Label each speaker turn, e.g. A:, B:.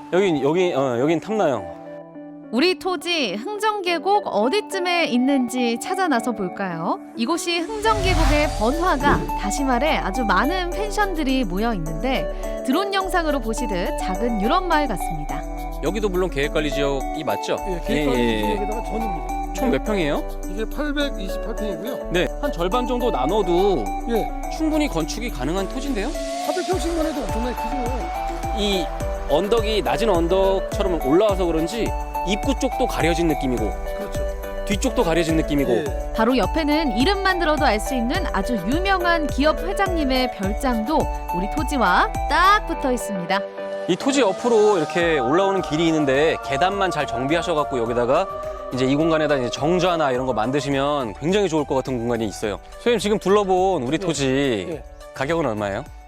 A: 여긴 탐나요.
B: 우리 토지 흥정계곡 어디쯤에 있는지 찾아 나서 볼까요? 이곳이 흥정계곡의 번화가, 다시 말해 아주 많은 펜션들이 모여 있는데 드론 영상으로 보시듯 작은 유럽 마을 같습니다.
A: 여기도 물론 계획관리 지역이 맞죠?
C: 예, 계획관리 지역에다가 전입니다.
A: 총 몇 평이에요?
C: 이게 828평이고요.
A: 네, 한 절반 정도 나눠도
C: 예,
A: 충분히 건축이 가능한 토지인데요?
C: 400평씩만 해도 엄청나게 크죠.
A: 이 언덕이 낮은 언덕처럼 올라와서 그런지 입구 쪽도 가려진 느낌이고
C: 그렇죠.
A: 뒤쪽도 가려진 느낌이고
C: 예.
B: 바로 옆에는 이름만 들어도 알 수 있는 아주 유명한 기업 회장님의 별장도 우리 토지와 딱 붙어 있습니다.
A: 이 토지 옆으로 이렇게 올라오는 길이 있는데 계단만 잘 정비하셔갖고 여기다가 이제 이 공간에다 이제 정자나 이런 거 만드시면 굉장히 좋을 것 같은 공간이 있어요. 선생님 지금 둘러본 우리 토지
C: 예.
A: 가격은 얼마예요?